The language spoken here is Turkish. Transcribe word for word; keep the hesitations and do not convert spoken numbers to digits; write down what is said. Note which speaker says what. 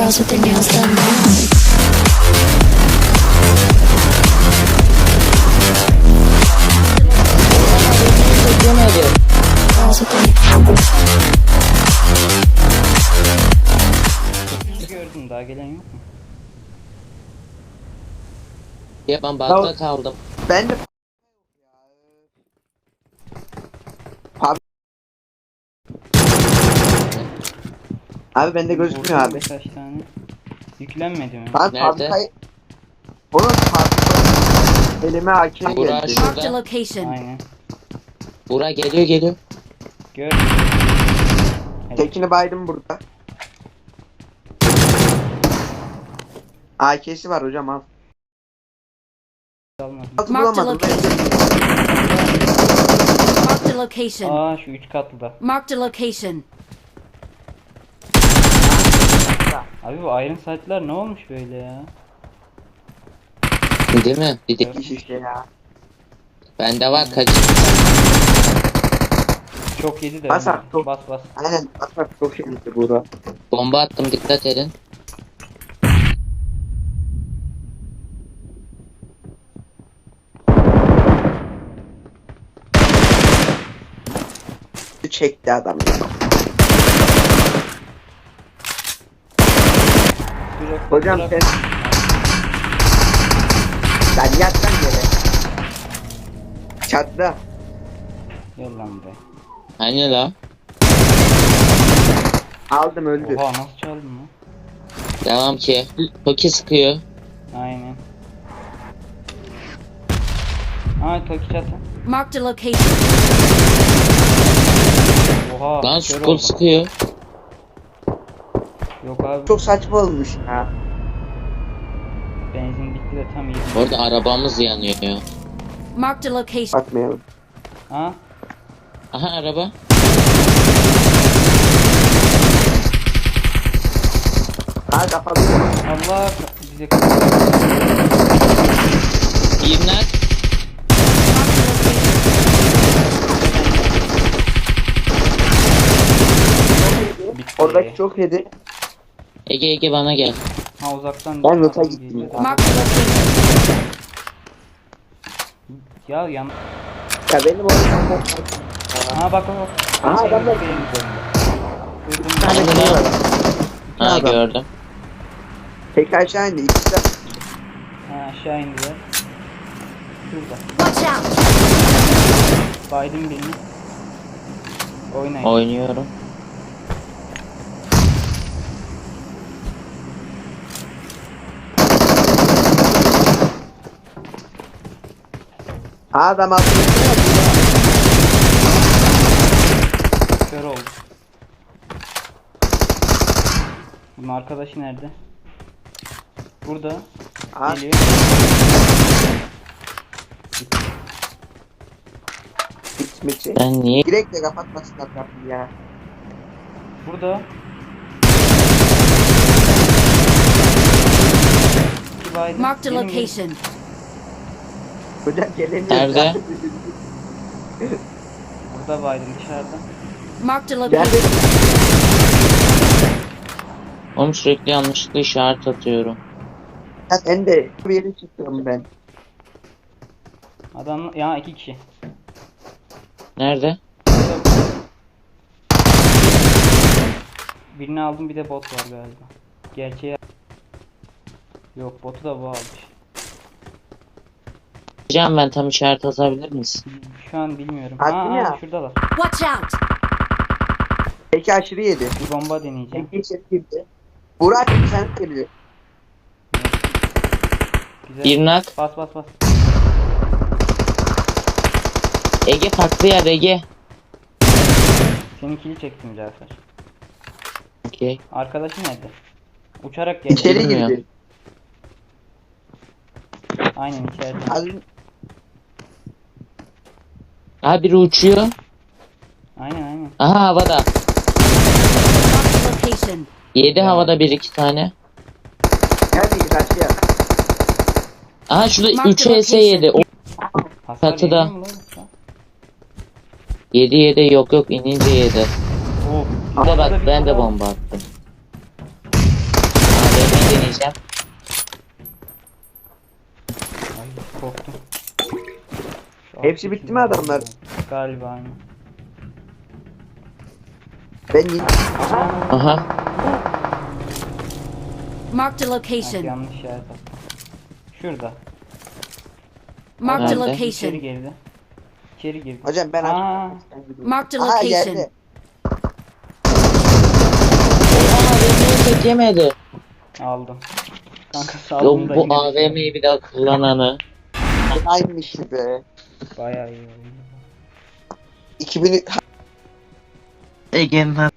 Speaker 1: girls with their nails done now. Girls with their
Speaker 2: Gördüm, daha gelen yok mu?
Speaker 3: Ya ben bakta kaldım.
Speaker 4: Ben de abi abi bende gözükmüyor
Speaker 2: Vurdum
Speaker 4: abi.
Speaker 2: birkaç tane. Yüklenmedi mi?
Speaker 4: Ben
Speaker 3: Nerede?
Speaker 4: fabrikayı onun fabrikayı elime A K
Speaker 3: Burak
Speaker 4: geldi.
Speaker 3: şu-
Speaker 5: Marked a location.
Speaker 2: Aynen.
Speaker 3: Bura geliyor geliyor.
Speaker 2: Gördüm. Evet.
Speaker 4: Tekini baydım burada. A K'si var hocam al.
Speaker 2: Almadım.
Speaker 4: Nasıl
Speaker 5: Marked a
Speaker 4: bulamadım?
Speaker 5: location. Marked a location.
Speaker 2: Aa, şu üç katlıda.
Speaker 5: Marked a location.
Speaker 2: Abi bu Iron Sight'lar ne olmuş böyle ya?
Speaker 3: Değil mi? Bir de
Speaker 4: İş işte ya.
Speaker 3: bende var kaç.
Speaker 2: Çok yedi de.
Speaker 4: Bas
Speaker 2: öyle.
Speaker 4: artık, çok-
Speaker 2: Bas bas.
Speaker 4: Aynen bak bak çok şey gitti burada.
Speaker 3: Bomba attım, dikkat edin.
Speaker 4: Çekti adam ya.
Speaker 2: Bırak,
Speaker 4: Hocam
Speaker 2: bırak.
Speaker 4: sen sen yat lan yere. Çatla.
Speaker 2: Gel lan be.
Speaker 3: Hani la?
Speaker 4: Aldım öldü.
Speaker 2: Oha, nasıl çaldın lan?
Speaker 3: Devam ki. Toki sıkıyor.
Speaker 2: Aynen. Aa, Toki çatı.
Speaker 5: Marked a location.
Speaker 2: Oha.
Speaker 3: Lan
Speaker 2: kör
Speaker 3: skul
Speaker 2: oldum.
Speaker 3: sıkıyor.
Speaker 2: Yok abi,
Speaker 4: Çok saçma olmuş ya.
Speaker 2: benzin bitti de tam iyi.
Speaker 3: Orada arabamız yanıyor ya.
Speaker 5: Marked a location.
Speaker 4: Bakmayalım.
Speaker 2: Ha?
Speaker 3: Aha araba.
Speaker 4: Ha kapalı.
Speaker 2: Allah bize
Speaker 3: İmler.
Speaker 2: bitti.
Speaker 4: Oradaki çok yedi.
Speaker 3: Ege Ege bana gel.
Speaker 2: Ha, uzaktan.
Speaker 4: Ben nota
Speaker 2: adam
Speaker 4: gittim
Speaker 2: geliyor.
Speaker 4: ya.
Speaker 5: Marked a location.
Speaker 2: Ya yan.
Speaker 4: Ya benim orada
Speaker 2: Ha, bak bak bak.
Speaker 4: Aha,
Speaker 2: Şey,
Speaker 4: adamlar-
Speaker 2: benim üzerinde. Duydum
Speaker 4: bir tane
Speaker 2: ben.
Speaker 3: Hadi
Speaker 4: şey
Speaker 3: lan.
Speaker 4: var.
Speaker 3: Ha
Speaker 4: Adam.
Speaker 3: gördüm.
Speaker 4: Tek aşağı indi. İkisi de
Speaker 2: Ha, aşağı indiler. Şurada.
Speaker 5: Watch out.
Speaker 2: Biden birini. Oynayın.
Speaker 3: Oynuyorum.
Speaker 4: adam altında.
Speaker 2: Kör oldu. Bunun arkadaşı nerede? Burada.
Speaker 4: Ha,
Speaker 2: Geliyor.
Speaker 4: bitmesi.
Speaker 3: Ben niye?
Speaker 4: Direkt de kapatmasınlar kapıyı ya.
Speaker 2: Burada. İki Biden.
Speaker 5: Marked a
Speaker 2: Gelin, gelin.
Speaker 5: location.
Speaker 4: Hocam gelemiyor.
Speaker 3: Nerede?
Speaker 2: Burada Biden dışarıda.
Speaker 5: Marked a
Speaker 4: Geldi.
Speaker 5: location.
Speaker 3: Oğlum sürekli yanlışlıkla işaret atıyorum.
Speaker 4: Ya ben de bir yere çıkıyorum ben.
Speaker 2: Adam ya, iki kişi.
Speaker 3: Nerede?
Speaker 2: Burada. Birini aldım, bir de bot var galiba. Gerçeği. Yok, botu da bu almış.
Speaker 3: Can ben tam işaret atabilir misin?
Speaker 2: Şu an bilmiyorum.
Speaker 4: Attım
Speaker 2: Ha,
Speaker 4: ya.
Speaker 2: ha, şuradalar.
Speaker 5: Watch out.
Speaker 4: Peki aşırı yedi.
Speaker 2: Bir bomba deneyeceğim.
Speaker 4: Peki içeri girdi. Burak sen geliyor.
Speaker 2: Güzel.
Speaker 3: Bir nak.
Speaker 2: Bas bas bas.
Speaker 3: Ege farklı yer Ege.
Speaker 2: Senin kili çektim Cafer.
Speaker 3: Okey.
Speaker 2: Arkadaşı nerede? Uçarak geldi.
Speaker 4: İçeri
Speaker 3: Bilmiyorum.
Speaker 4: girdi.
Speaker 2: Aynen içeride.
Speaker 4: Az
Speaker 3: Aha biri uçuyor.
Speaker 2: Aynen aynen.
Speaker 3: Aha havada.
Speaker 5: Marked a location.
Speaker 3: Yedi havada bir iki tane.
Speaker 4: nerede karşıya?
Speaker 3: Aha şurada
Speaker 5: Mark
Speaker 3: üç
Speaker 5: the
Speaker 3: E S yedi. O
Speaker 2: Hasar
Speaker 3: Çatıda.
Speaker 2: yemiyor mu lan yoksa?
Speaker 3: yedi yedi yok yok inince yedi.
Speaker 2: Oh.
Speaker 3: Bir de
Speaker 2: Havada
Speaker 3: bak
Speaker 2: bir
Speaker 3: ben de
Speaker 2: bomba.
Speaker 3: bomba attım.
Speaker 4: Hepsi bitti mi adamlar?
Speaker 2: Galiba aynı.
Speaker 4: Ben yine...
Speaker 3: Aha.
Speaker 5: Marked a
Speaker 2: Bak,
Speaker 5: location.
Speaker 2: yanlış işaret attım. Şurada.
Speaker 5: Marked a
Speaker 3: Nerede?
Speaker 2: İçeri
Speaker 5: location.
Speaker 2: girdi. İçeri girdi.
Speaker 4: Hocam ben...
Speaker 2: Aa,
Speaker 5: Marked a
Speaker 4: Aha
Speaker 5: location.
Speaker 4: geldi.
Speaker 3: Oha beni tek yemedi.
Speaker 2: aldım. Kanka saldım
Speaker 3: Yok
Speaker 2: da
Speaker 3: bu
Speaker 2: yine
Speaker 3: A V M'yi bir daha kullananı.
Speaker 4: Aynıymış be.
Speaker 2: bayağı iyi oldu.
Speaker 4: iki bin...
Speaker 3: Egemen.